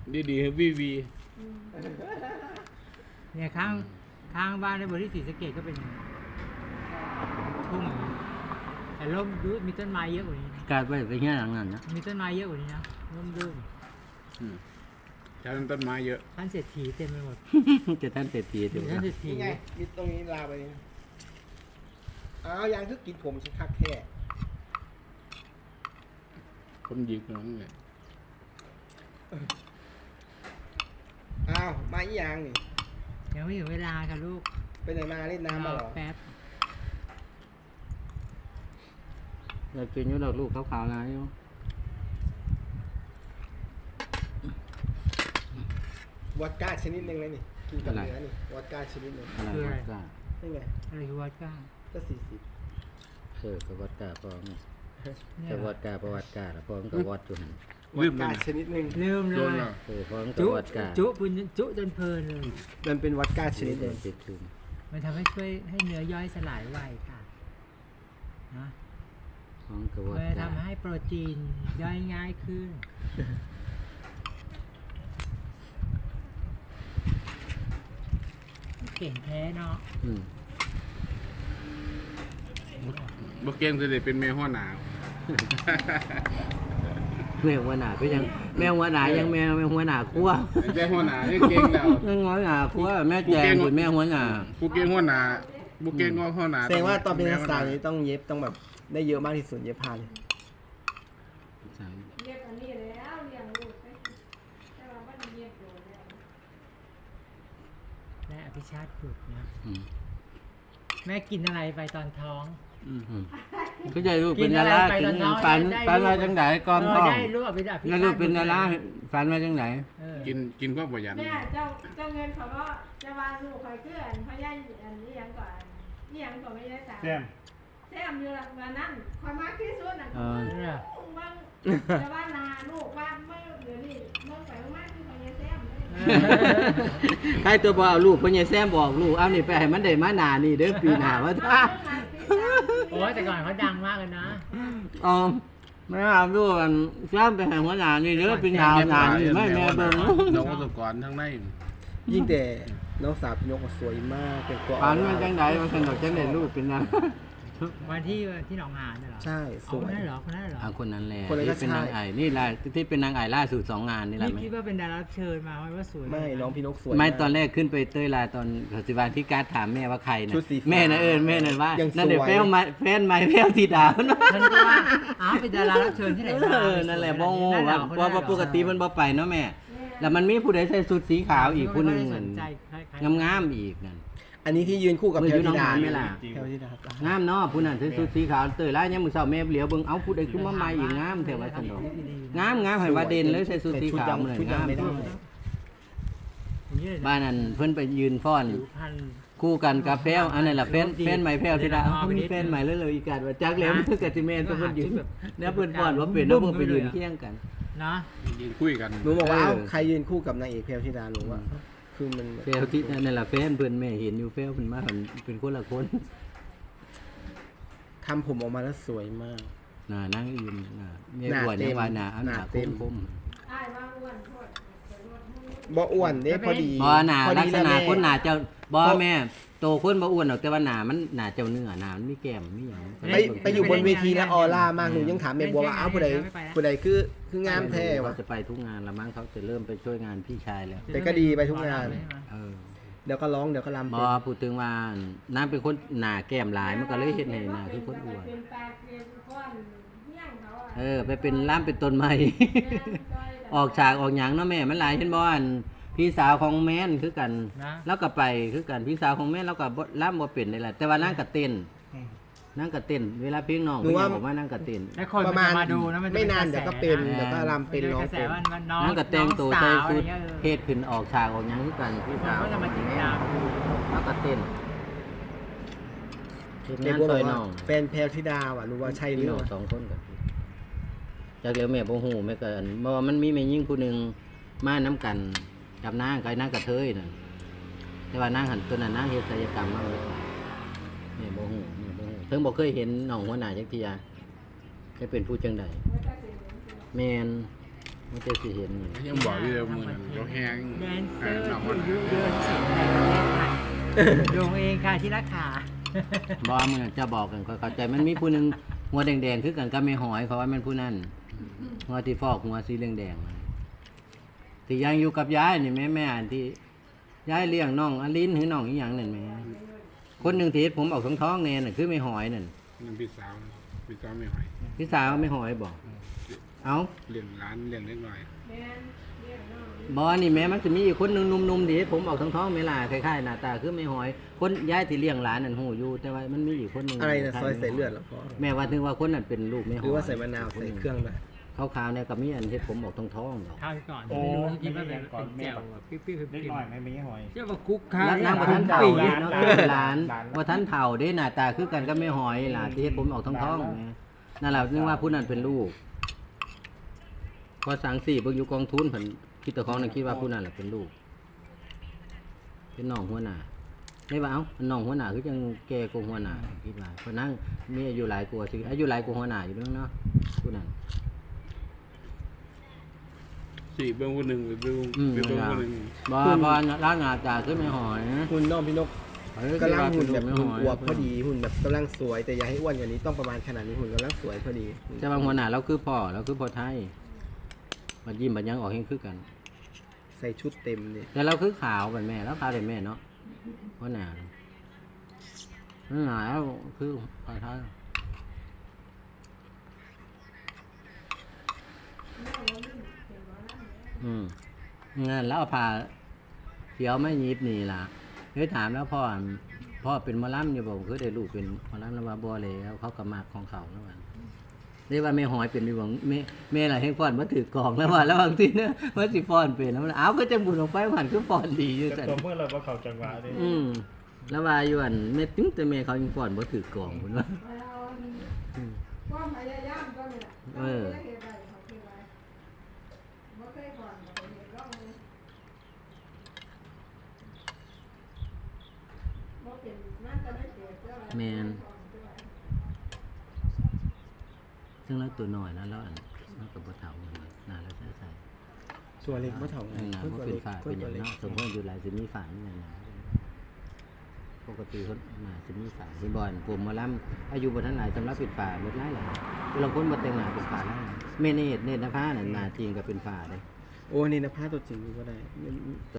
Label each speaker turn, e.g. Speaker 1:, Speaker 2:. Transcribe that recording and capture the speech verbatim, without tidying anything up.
Speaker 1: ดีดีวีวี
Speaker 2: เนี่ยข้างข้างบ้านในบริษัทศรีสะเกษก็เป็นอย่างนี้ทุ่งอย่างนี้แต่ร่มดูมีต้นไม้เยอะกว่านี้นะ
Speaker 3: กลายไปไปเงี้ยหลังนั้นนะ
Speaker 2: มีต้นไม้เยอะกว่านี้นะร่มรื่น
Speaker 1: แถวนั้นต้นไม้เยอะ
Speaker 2: ท่านเศรษฐีเต็มไปหมด
Speaker 3: จะท่านเศรษฐี
Speaker 2: มี
Speaker 3: เดี๋ยว
Speaker 2: ท่านเศรษฐี
Speaker 4: นี่ไงยึดตรงนี้ลาไปอ้าวยังคือกินผมสิคักแค่
Speaker 1: คนยิงน้องเนี่ย
Speaker 4: อ้าวมาอีหยังนี่
Speaker 2: ยังไม่ถึงเวลาค่ะลูก
Speaker 4: ไปไหนมาเล่นน้ำมาเหรอ
Speaker 2: แป๊บ
Speaker 3: อยากกินอยู่ดอกลูกขาวๆนะอยู่
Speaker 4: วอดก้าชนิดหนึ่งเลยนี่กินกับเนื้อนี่วอดก้าชนิดหนึ่ง
Speaker 3: อะไรวอดก้า
Speaker 4: นี่ไง
Speaker 2: อะไรคือวอดก้า
Speaker 4: ก็สี่สิบ
Speaker 3: เออกับวอดก้าพอไง
Speaker 2: เนี่
Speaker 3: กับ
Speaker 2: ยว
Speaker 3: อดก้าประวัติก้าแล้วพอมันกับวอดจุหัน
Speaker 4: วอดก้าชนิดหนึ่ง
Speaker 2: ลืมเล
Speaker 1: โดน
Speaker 2: ย
Speaker 1: แล้ว
Speaker 3: เออพอมันกับ
Speaker 2: จุ
Speaker 3: วอดก้า
Speaker 2: จุปุญจุจนเพลินเลย
Speaker 4: มันเป็นวอดก้าชนิดห
Speaker 3: เดิ
Speaker 4: นึ่
Speaker 3: น
Speaker 4: ง
Speaker 3: ติดชุม
Speaker 2: มันทำให้ช่วยให้เนื้อย่อยสลายไวค่ะนะ
Speaker 3: พอมันกับวอด
Speaker 2: มัน
Speaker 3: ก้า
Speaker 2: ทำให้โปรตีนย่อยง่ายขึ้นเก่งแท้เนาะ
Speaker 3: อืม
Speaker 1: บ่เก่งจะได้เป็นแม่หัวหนาว
Speaker 3: แม่หัวหน้าก็ยังแม่หัวหน้ายังแม่แม่หัวหน้าครัว
Speaker 1: แม่หัวหนานี่เก่งแล้ว
Speaker 3: แม่หัวหน้าครัวแม่แจงคุณแม่หัวหน้า
Speaker 1: ผู้เก่งหัวหนาผู้เก่งก็หัวหนา
Speaker 4: แสดงว่าตอนเป็นนักศึกษานี้ต้องเย็บต้องแบบได้เยอะมากที่สุดเย็บผ้าเลย
Speaker 5: เรียกอันนี้แล้วเรียงลูกไปแต่ว่ามันเรียกโดนแล้ว
Speaker 2: และอภิชาติฝึกนะ
Speaker 3: อืม
Speaker 2: แม่กินอะไรไปตอนท้อง
Speaker 3: อืมก็ใจลูกเป็นดารา
Speaker 2: กิ
Speaker 3: กิ
Speaker 2: น
Speaker 3: น
Speaker 2: อะไรไป
Speaker 3: ฝัน
Speaker 2: ได้
Speaker 3: ฝัน
Speaker 2: ได้
Speaker 3: มาจังไหนก่อน
Speaker 2: เอ
Speaker 3: ท้
Speaker 2: อ
Speaker 3: อง
Speaker 2: ได้รู้อภิชาติ
Speaker 3: แล้วลูกเป็นดาราฝันมาจังไหน
Speaker 2: เออ
Speaker 1: กินกินก็ประหยัด
Speaker 5: แม่เจ้าเจ้าเงินเขาก็จะวางลูกคอยเกลื่อนเขาย่ายอันนี้ยังก่อนนี่ยังก่อนไม่ได้สามแซมแซมอยู่ละวันนั้นคอยมากที่สุดน่ะ
Speaker 3: เออ
Speaker 2: เนี่ย
Speaker 5: บางจะว่านาลูกว่าเมื่อเดี๋ยวนี้เมื่อไปมากที่คอยแซมเลย
Speaker 3: ใครตัวบ่เอาลูกพ่อใหญ่แซมบอกลูกเอานี่ไปให้มันได้มาหนานี่เด้อปีหน้าว่าท่า
Speaker 2: โอ้ยแต่ก่อนเขาดังมากเลยนะ
Speaker 3: อ๋อไม่เอาลูกมันแซมไปให้หัวหน้านี่เด้อปีหน้าหน้านี่ไม่แม่เบิ่ง
Speaker 1: น้องประสบการณ์ทั้งใน
Speaker 4: ยิ่งแต่น้องสาวพี่นกสวยมากเป็นตัว
Speaker 3: ฝันมาจังไหนมันสนุกจังได๋ลูกเป็นนะ
Speaker 2: วันที่ที่หนองหานน่ะเหรอ
Speaker 4: ใช่ส
Speaker 2: เอา
Speaker 4: ว
Speaker 2: คน
Speaker 4: ย
Speaker 2: นั้นเหรอคนนั้นเหรอ
Speaker 3: อ่าคนนั้นแหละ
Speaker 4: คนนั้นก็
Speaker 3: ที่เป็นนาง
Speaker 4: ใช่
Speaker 3: ไอ้นี่แหละที่เป็นนางไอ้ล่าสุดสองงานนี่แหละ
Speaker 2: นี่
Speaker 3: ไหม
Speaker 2: คิดว่าเป็นดารารับเชิญมาว่าสวย
Speaker 4: ไม่น้องพี่นกสวย
Speaker 3: ไม่
Speaker 4: าก
Speaker 3: ตอนแรกขึ้นไปเต้ยลายตอนปฏิบัติที่การดถามแม่ว่าใครนะ
Speaker 4: ชุดสีฟ้า
Speaker 3: แม่นะเอิญแม่นะว่า
Speaker 4: ยัง
Speaker 3: นั่นเดี๋ยว
Speaker 4: สวย
Speaker 3: แฟนไม้แฟนไม้แฟนสีดาวนะ
Speaker 2: ฉันก็ว่าอ้าวเป็นดารารับเชิญที่ไหนมา
Speaker 3: เออนั่นแหละบ่โง่
Speaker 2: นั่นเหร
Speaker 3: ว่า
Speaker 2: อคน
Speaker 3: เพราะ
Speaker 2: นั้นเหร
Speaker 3: ว่า
Speaker 2: อ
Speaker 3: ปกติมันบ่ไปเนาะแม่ แล้วมันมีผู้ใดใส่ชุดสีขาวอีกผู้หนึง
Speaker 2: ไม่
Speaker 3: เหมื
Speaker 2: ได้
Speaker 3: อน
Speaker 2: สนใจใครๆ
Speaker 3: งามๆอีกนั่น
Speaker 4: อันนี้ที่ยืนคู่กับ
Speaker 3: มือ
Speaker 4: แพล
Speaker 3: อยู่
Speaker 4: วธิดา
Speaker 3: น้องหานไหมล่ะ
Speaker 4: แพลวธิดา
Speaker 3: งามเนาะผู้นั้นใส่ชุดสีขาวเต้ยลายยามมื้อเช้าแม่เหลียวเบิ่งเอ้าผู้ใดขึ้นมาใหม่อีกงามแท้ว่าซั่นดอกงามงามให้ว่าเด่นเลยใส่ชุดสีขาวเหมือน
Speaker 4: ชุด
Speaker 3: งาม
Speaker 4: ดำไม่ได้
Speaker 2: อย่างนี้เลยนะ
Speaker 3: บ้านนั้นเพิ่นไปยืนฟ้อน
Speaker 2: ผิวพรรณ
Speaker 3: คู่กันกับแพ้วอันนั้นแหละแฟน
Speaker 2: ดี
Speaker 3: แฟนใหม่แพ้วที่ดา
Speaker 2: อ๋อ
Speaker 3: เขา
Speaker 2: ไปนิ
Speaker 3: มี
Speaker 2: ด
Speaker 3: แฟนใหม่แล้วเลยอีกการว่าจักแล้วมันคือกะสิแม่นก็เพิ่นยืน
Speaker 2: แบบ
Speaker 3: แล้วเพิ่นฟ้อนว่าเป็นแล้วเพิ่นไปยืนเคียงกัน
Speaker 2: เนาะ
Speaker 1: ยืนคุยกัน
Speaker 4: หนูบอกว่า
Speaker 3: เออ
Speaker 4: เอ้าใครยืนคู่กับนางเอกแพลวธิดาหนูว่าคือมัน
Speaker 3: แพ้วที่นั่นแหละแฟนเพิ่นแม่เห็นอยู่แพ้วเพิ่นมาเพิ่นเป็นคนละคน
Speaker 4: ทำผมออกมาแล้วสวยมาก
Speaker 3: น่ะนางอื่นน่ะแม่
Speaker 4: หน้า
Speaker 3: อ้วน
Speaker 4: เต็
Speaker 3: ยั
Speaker 4: ม
Speaker 3: งว่าน่ะอัน
Speaker 4: หน้า
Speaker 3: หน้า
Speaker 4: เต็ม
Speaker 3: คม
Speaker 5: อ้ายว่าอ้วนโทษไปรวดมือ
Speaker 4: บ่อ้วนเด้พอดี
Speaker 3: ๆบ่หน้า
Speaker 4: พอ
Speaker 3: ลั
Speaker 4: ดี
Speaker 3: กษณะ
Speaker 4: แม่
Speaker 3: คนหน้าเจ้าบ่แม่โตคนบ่อ้วนหรอกแต่ว่าหน้ามันหน้าเจ้าเนื้อหน้ามันมีแก้มมีหยัง
Speaker 4: ไปไปอยู่บนเวทีแล้วออร่ามากหนูยังถามแม่บัวว่าเอ้าผู้ใดผู้ใดคือคืองามแท้
Speaker 3: ว่
Speaker 4: วะ
Speaker 3: จะไปทุกงานละมั้งเขาจะเริ่มไปช่วยงานพี่ชายแล้ว
Speaker 4: แต่ก็ดีไปทุกงาน
Speaker 3: เออ
Speaker 4: เดี๋ยวก็ร้องเดี๋ยวก็รำ
Speaker 3: บ
Speaker 4: เป็
Speaker 3: อน พูดถึงว่าน้ำเป็นคนหนาแก้มหลายมันก็เลยเห็นให้หนาคือคนอ้วน
Speaker 5: เป็นปลาเกลียวก้อนเหี้ยงเขาอ่ะ
Speaker 3: เออ ไปเป็นล่ามเป็นต้นไม้ ออกฉากออกหยังเนาะแม่มันหลายเห็นบ่อันพี่สาวของแม่นคือกัน
Speaker 2: นะ
Speaker 3: แล้วก็ไปคือกันพี่สาวของแม่นแล้วก็บ่ล่ามบ่เป็นนี่แหละแต่ว่านั่งก็เต้นนั่งก็เต้นเวลาเพลงน้องเพิ่นบอกว่านั่งก็เต้น
Speaker 2: แล้วคน
Speaker 4: ประมาณ
Speaker 2: มาดูนะมันจะ
Speaker 4: ไม่นาน
Speaker 2: ระ
Speaker 4: เดี๋ยว
Speaker 2: แส
Speaker 4: ก็เป็น
Speaker 2: นะ
Speaker 4: เดี๋ยวก็รำเป็นร้อง
Speaker 2: กระแส
Speaker 4: เป็น
Speaker 2: ว่าน้อง
Speaker 3: นั่งก็แต่งตัว
Speaker 2: น้
Speaker 3: ใส่
Speaker 2: องสาว
Speaker 3: ชุด
Speaker 2: อะไรเงี้ยเออ
Speaker 3: เพศขึ้นออกฉากออกหยังคือกันพี่
Speaker 2: มัน
Speaker 3: สาว
Speaker 2: ก็จะมาติดตามดู
Speaker 3: แล้วก็เต้นเฮ็ด
Speaker 4: แม่
Speaker 3: งาน
Speaker 4: บัวบ
Speaker 3: ซ
Speaker 4: อ
Speaker 3: อก ย
Speaker 4: ว่า
Speaker 3: น้อง
Speaker 4: แฟนแพลวธิดาว่ะรู้ว่าใช่หรื
Speaker 3: พี่
Speaker 4: อ
Speaker 3: น้อง
Speaker 4: เปล่า
Speaker 3: สองคนกับจากเลี้ยวแม่บ่ฮู้แม่ก็อันเพราะว่ามันมีแม่ยิ่งผู้หนึงมานํกันกับนางกับนางกระเทยน่ะแต่ว่านางหันตัวนั้นนางเฮ็ดศัลยกรรมมาเลยแม่บ่ฮู้แม่บ่ฮู้ถึงบ่เคยเห็นน้องหัวหน้าจักเที่ยเคยเป็นผู้จังใดแม่นมันจะสิเห็นนี่
Speaker 1: ยังบอกอยู่เลยมือนั้นเราแห้ง
Speaker 2: แดนเซอร์
Speaker 1: น้อง
Speaker 2: ผู้
Speaker 1: มัน
Speaker 2: ยุยวนศิลป์ในประเทศไทยโยงเองค่ะที่รักขา
Speaker 3: บ่มึงจะบอกกันเข้าใจมันมีผู้หนึงหัวแดงๆคือกันก็ไม่หอยเพราะว่ามันผู้นั้นหัวที่ฟอกหัวสีแดงๆที่ยังอยู่กับยายนี่แม่แม่อันที่ยายเลี้ยงน้องอลินหรือน้องอีหยังนั่นแหม่คนหนึงที่เฮ็ดผมออกท้องๆแน่น่ะคือไม่หอยนั่น
Speaker 1: นั่นพี่สาวพี่สาวไม่ไหว
Speaker 3: พี่สาวไม่หอยบอกเอ้า
Speaker 1: เลี้ยงร้านเลี้ยงเล็กน้อย
Speaker 5: แม่นเรียกน้อง
Speaker 3: บ่นี่แม่มันจะมีอีกคนหนึงหนุ่มๆที่เฮ็ดผมออกท้องๆแม่ล่ะคล้ายๆหน้าตาคือไม่หอยคนยายที่เลี้ยงหลานนั่นฮู้อยู่แต่ว่ามันมีอีกคนหนึง
Speaker 4: อะไรนะซอยใส่เลือดเหรอพ่อ
Speaker 3: แม่ว่าถึงว่าคนนั้นเป็นลูกไม่หอย
Speaker 4: หรือว่าใส่มะนาวใส่เครื่องด้วย
Speaker 3: ขาวๆเนี่ยกับมีอันเฮ็ดผมออกท้องๆดอก
Speaker 2: ข้าวก่อน
Speaker 6: โอ้
Speaker 2: ไม่รู้ที่ว่าเป็น
Speaker 6: ก่อน
Speaker 2: เป็น
Speaker 6: แม่
Speaker 2: แจ่ว
Speaker 6: แบบ
Speaker 2: ปิ๊บปิ๊บปิ๊บ
Speaker 6: เล็ก
Speaker 2: ปิ๊บ
Speaker 6: น้อยไม่มีหอย
Speaker 2: เชื่อว่าคุกค้า
Speaker 3: แล้วนางบ่ทัน
Speaker 2: เก่า
Speaker 3: เฒ่า
Speaker 2: ปี
Speaker 3: เด้เนาะคือหลานบ่ทันเฒ่าเด้หน้าตาคือกันก็ไม่หอยล่ะที่เฮ็ดผมออกท้องๆแม่นั่นแหละนึกว่าผู้นั้นเป็นลูกพอสังสี่เบิ่งอยู่กองทุนเพิ่นคิดแต่ของนั้นคิดว่าผู้นั้นแหละเป็นลูก เป็นน้องหัวหน้าได้ว่าเอ้าน้องหัวหน้าคือจังแก่กว่าหัวหน้าคิดว่าเพราะนั่งมีอายุหลายกว่าสิอายุหลายกว่าหัวหน้าอยู่เด้อเนาะผู้นั้น
Speaker 1: สี่เบื้องคนหนึ่งหรือเบื้อง
Speaker 3: อืม
Speaker 1: เบื้องคนหนึ่ง
Speaker 3: บ่บ่ร่างหน้าตาคือไม่หอย
Speaker 4: หุ่นน้องพี่นก
Speaker 3: เอ้ย
Speaker 4: กำลังหุ่นแบบ
Speaker 3: ไม่
Speaker 4: หุ่น
Speaker 3: หอย
Speaker 4: อวบพอดีหุ่นแบบกำลังสวยแต่อย่าให้อ้วนกว่านี้ต้องประมาณขนาดนี้หุ่นกำลังสวยพอดี
Speaker 3: แต่ว่าหัวหน้าเราคือพ่อเราคือพ่อไทยบัดยิ้มบัดหยังออกเฮงคือกัน
Speaker 4: ใส่ชุดเต็มเนี่ย
Speaker 3: แต่เราคือขาวเป็นแม่แล้วขาวเป็นแม่เนาะหัวหน้าหัวหน้าแล้วคือพ่อไทยอืมงั้นแล้วเอาผ้าเขียวไม่ยิบนี่ล่ะเฮ้ยถามแล้วพ่อพ่อเป็นหมอลำอยู่บอกคือได้ลูกเป็นหมอลำแล้วว่าบ่แล้วเขาก็มากของเขาแล้วว่าเรียกว่าแม่หอยเป็นดีบ่แม่แม่ล่ะให้ฟ้อนบ่ถือกองแล้วว่าแล้วบางทีเนี่ยว่าสิฟ้อนเป็นแล้วมันอ้าวก็จะบุญออกไปหันคือฟ้อนดีอยู่
Speaker 6: แต่
Speaker 3: ซั่น
Speaker 6: ตัวเมื่อเราว่าเขาจังหวะเลย
Speaker 3: อืมแล้วว่าอยู่อันแม่ตึ้งแต่แม่เขายังฟ้อนบ่ถือกองพุ่นว่า
Speaker 5: ความพยายามก็นี่แหละ
Speaker 3: เออ
Speaker 5: บ่เคยเฮ็ดได้เขาเคยไว้บ่เคยก่อนบ่เคยเฮ็ดลองเลยบ่เป็นมันก็ได้เกิดเจ้าอะไร
Speaker 3: แม่น ซึ่งแล้วตัวน้อยนะแล้วอันมันก็บ่เฒ่าเหมือนกันน่าแล้วใส่
Speaker 4: ตัวเล็กก็เท่า
Speaker 3: ๆนั่นน่ะบ่เป็นฝาเป็นหยังเนาะสมมุติอยู่หลายสิมีฝานี่นั่นน่ะปกติคนน่าสิมีฝาสิบ่อนผมหมาลํอายุบ่ทันหลายสำหรับเป็นฝาหมดหลายหลายบางคนบ่แต่งหน้าเป็นฝาแล้วแม่เนตรเนตรนภาน่ะหน้าจริงก็เป็นฝาเด้
Speaker 4: โอ้นี่นะผ้าตัวจริงก็ได้